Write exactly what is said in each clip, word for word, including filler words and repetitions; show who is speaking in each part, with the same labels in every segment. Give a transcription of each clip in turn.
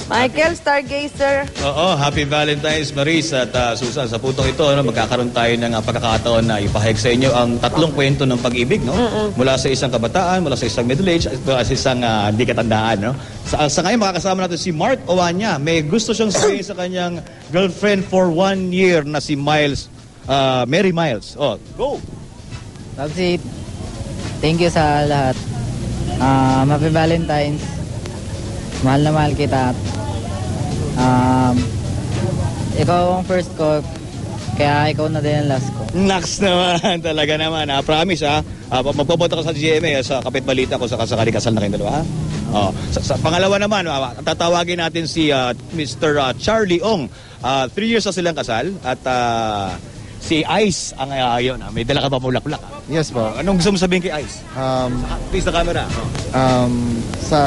Speaker 1: Michael, Stargazer.
Speaker 2: Oo, happy Valentine's, Maris at uh, Susan. Sa putong ito, no, magkakaroon tayo ng uh, pagkakataon na ipahayag sa inyo ang tatlong kwento ng pag-ibig, no? Mm-mm. Mula sa isang kabataan, mula sa isang middle age, at sa isang uh, di katandaan, no? Sa, sa ngayon, makakasama natin si Mark Oanya. May gusto siyang sabihin sa kanyang girlfriend for one year na si Miles, uh, Mary Miles. Oh, go!
Speaker 3: Tapsi, thank you sa lahat. Uh, happy Valentine's. Mahal na mahal kita. Um, ikaw ang first ko, kaya ikaw na din ang last ko.
Speaker 2: Naks naman, talaga naman. Ha? Promise, ha? Uh, magpapota ko sa G M A, sa kapit balita ko sa kasakali kasal na kayong dalawa, ha? Oh, sa, sa pangalawa naman, uh, tatawagin natin si uh, Mister Uh, Charlie Ong. Uh, three years na silang kasal at uh, si Ice ang uh, yun. Uh, may dala ka ba mulaklak? Uh?
Speaker 4: Yes po.
Speaker 2: Uh, anong gusto mo sabihin kay Ice?
Speaker 4: Um,
Speaker 2: Please the camera. Oh.
Speaker 4: Um, sa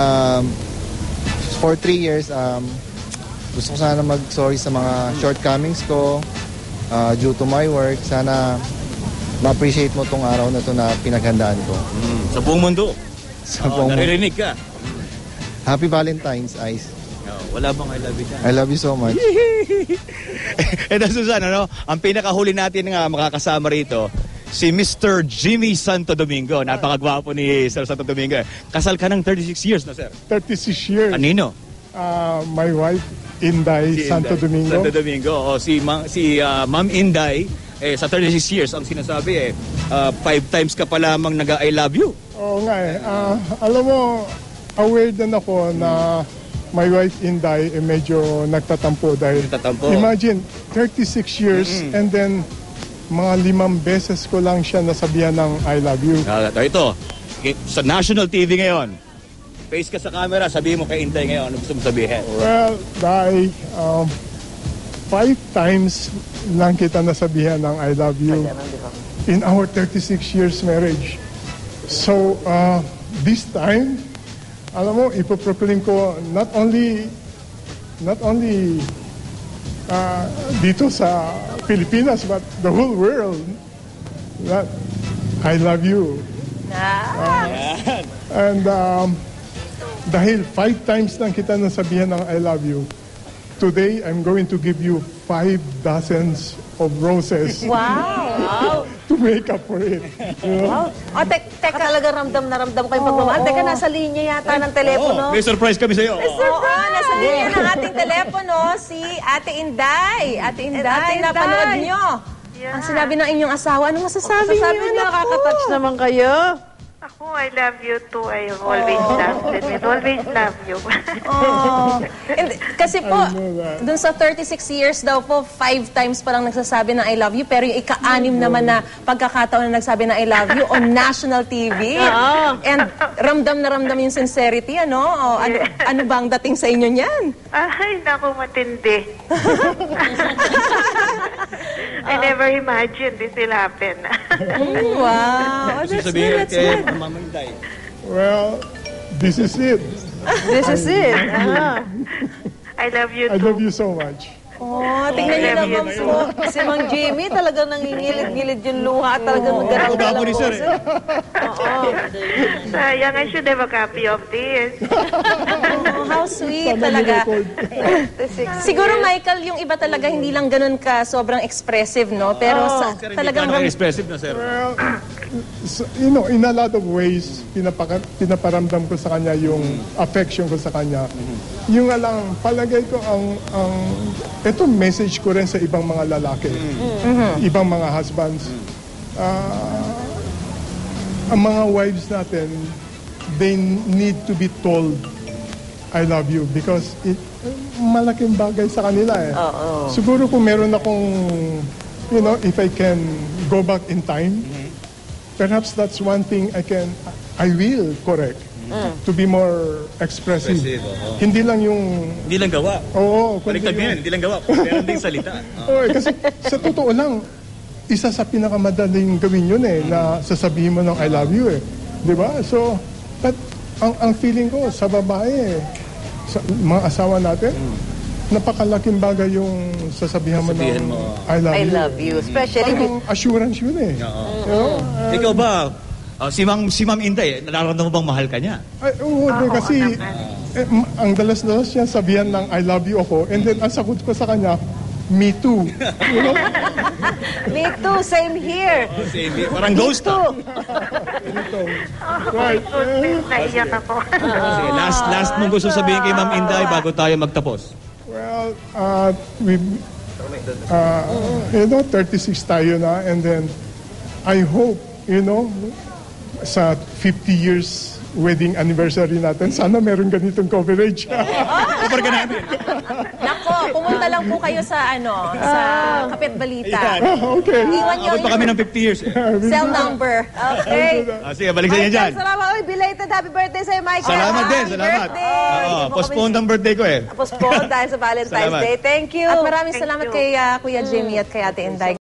Speaker 4: for three years, um, gusto ko sana mag-sorry sa mga shortcomings ko uh, due to my work. Sana ma-appreciate mo tong araw na to na pinaghandaan ko.
Speaker 2: Mm, sa buong mundo.
Speaker 4: Sa
Speaker 2: oh,
Speaker 4: buong
Speaker 2: naririnig ka.
Speaker 4: Happy Valentine's, Ice.
Speaker 2: Oh, wala bang I love you ka?
Speaker 4: I love you so much.
Speaker 2: Ito, Susan, ano? Ang pinakahuli natin nga makakasama rito, si Mister Jimmy Santo Domingo. Napakagwapo ni Sir Santo Domingo. Kasal ka ng thirty-six years na, sir?
Speaker 5: thirty-six years.
Speaker 2: Anino?
Speaker 5: Uh, my wife, Inday si Santo Inday. Domingo.
Speaker 2: Santo Domingo. O, si Ma- si uh, Ma'am Inday, eh, sa thirty-six years, ang sinasabi eh, uh, five times ka pa lamang nag-I love you.
Speaker 5: Oo nga eh. Uh, alam mo, aware din ako na my wife Inday eh, medyo nagtatampo dahil
Speaker 2: nagtatampo.
Speaker 5: Imagine, thirty-six years mm-hmm. and then mga limang beses ko lang siya nasabihan ng I love you.
Speaker 2: Uh, ito, sa national T V ngayon, face ka sa camera, sabihin mo kay Inday ngayon, ano gusto mo sabihin?
Speaker 5: Well, Day, um, five times lang kita nasabihan ng I love you in our thirty-six years marriage. So, uh, this time, alam mo, ipoproclaim ko not only not only uh, dito sa Pilipinas, but the whole world that I love you. Uh, and um, dahil five times lang kita nasabihan ng I love you, today I'm going to give you five dozens of roses.
Speaker 1: Wow!
Speaker 5: To make up for it. You know?
Speaker 1: Wow. O, te teka, talaga ramdam na ramdam ko yung pagmamahal. Oh, teka, nasa linya yata ng telepono.
Speaker 2: Oh, may surprise kami sa'yo.
Speaker 1: May surprise! Oh, nasa linya ng ating telepono, si Ate Inday. Ate Inday, Ate Inday. Napanood nyo. Yeah. Ang sinabi ng inyong asawa, anong masasabi,
Speaker 6: masasabi
Speaker 1: niyo?
Speaker 6: Masasabi nakaka-touch naman kayo.
Speaker 7: Ako, I love you too. I always oh. love you. I always love you.
Speaker 1: Oh. And, kasi po, dun sa thirty-six years daw po, five times pa lang nagsasabi ng I love you, pero yung ika-anim naman na pagkakataon na nagsabi ng I love you on national T V. Oh. And ramdam na ramdam yung sincerity, ano? O, ano, ano bang dating sa inyo niyan?
Speaker 7: Ay, naku, matindi. I never imagined this will happen.
Speaker 1: Mm, wow. Oh, that's good, that's good.
Speaker 5: Well, this is it.
Speaker 6: This is it. Uh-huh.
Speaker 7: I love you too.
Speaker 5: I love you so much.
Speaker 1: Oh, tingnan niyo naman po. Si Mang Jimmy talagang nangingilid-ngilid yung luha at talagang naggaral-garal ang boses. Oo.
Speaker 7: Sayang, I should have a copy of this.
Speaker 1: Oh, how sweet talaga. Siguro, Michael, yung iba talaga hindi lang ganun ka sobrang expressive, no? Pero sa, talagang...
Speaker 2: Hindi expressive na, sir.
Speaker 5: Well, so, you know, in a lot of ways, pinapaka, pinaparamdam ko sa kanya yung affection ko sa kanya. Yung alang, palagay ko ang... ang ito message ko rin sa ibang mga lalaki, mm-hmm. ibang mga husbands. Uh, ang mga wives natin, they need to be told, I love you, because it, malaking bagay sa kanila eh.
Speaker 1: Uh-oh.
Speaker 5: Siguro kung meron akong, you know, if I can go back in time, mm-hmm. perhaps that's one thing I can, I will correct. Mm. To be more expressive. expressive oh. Hindi lang yung...
Speaker 2: Hindi lang gawa.
Speaker 5: Oo.
Speaker 2: Baliktad mo yan, hindi lang gawa. Meron din salita.
Speaker 5: Oo, oh. Kasi sa totoo lang, isa sa pinakamadaling gawin yun eh, mm. na sasabihin mo ng I love you eh. Di ba? So, but ang, ang feeling ko sa babae, sa mga asawa natin, mm. napakalaking bagay yung sasabihan mo ng mo, I love
Speaker 1: I
Speaker 5: you.
Speaker 1: I love you. Especially...
Speaker 5: Parang assurance yun eh.
Speaker 2: Oo. You know? uh, Ikaw ba, Uh, si Ma'am si Ma'am Inday, nararamdaman mo bang mahal ka niya?
Speaker 5: Ay, oo, oh, kasi eh, m- ang dalas-dalas niya sabihan ng I love you ako, and then ang sagot ko sa kanya, me too. You know?
Speaker 6: Me too, same here.
Speaker 2: Parang ghost ah.
Speaker 5: Right.
Speaker 7: Goodness, naiyak ako.
Speaker 2: Kasi last, last mong gusto sabihin kay Ma'am Inday bago tayo magtapos.
Speaker 5: Well, uh, we, uh, you know, thirty-six tayo na, and then I hope, you know, sa fifty years wedding anniversary natin, sana meron ganitong coverage.
Speaker 2: Cover ka namin.
Speaker 1: Nako, pumunta lang po kayo sa ano, sa Kapit Balita.
Speaker 5: Okay.
Speaker 1: Iwan nyo
Speaker 2: Abot pa kami ng fifty years. Eh.
Speaker 1: cell number.
Speaker 6: Okay.
Speaker 2: Ah, sige, balik sa inyo dyan.
Speaker 6: Michael, salamat. Uy, belated happy birthday sa'yo, Michael.
Speaker 2: Salamat din,
Speaker 6: Happy
Speaker 2: salamat.
Speaker 6: birthday.
Speaker 2: Oo,
Speaker 6: Hindi mo
Speaker 2: postpone
Speaker 6: kami-
Speaker 2: ang birthday ko eh.
Speaker 6: Postpone dahil sa Valentine's
Speaker 2: Salamat.
Speaker 6: Day. Thank you.
Speaker 1: At maraming
Speaker 7: Thank
Speaker 1: salamat
Speaker 7: you.
Speaker 1: kay ah, Kuya Jimmy at kay Ate Inday.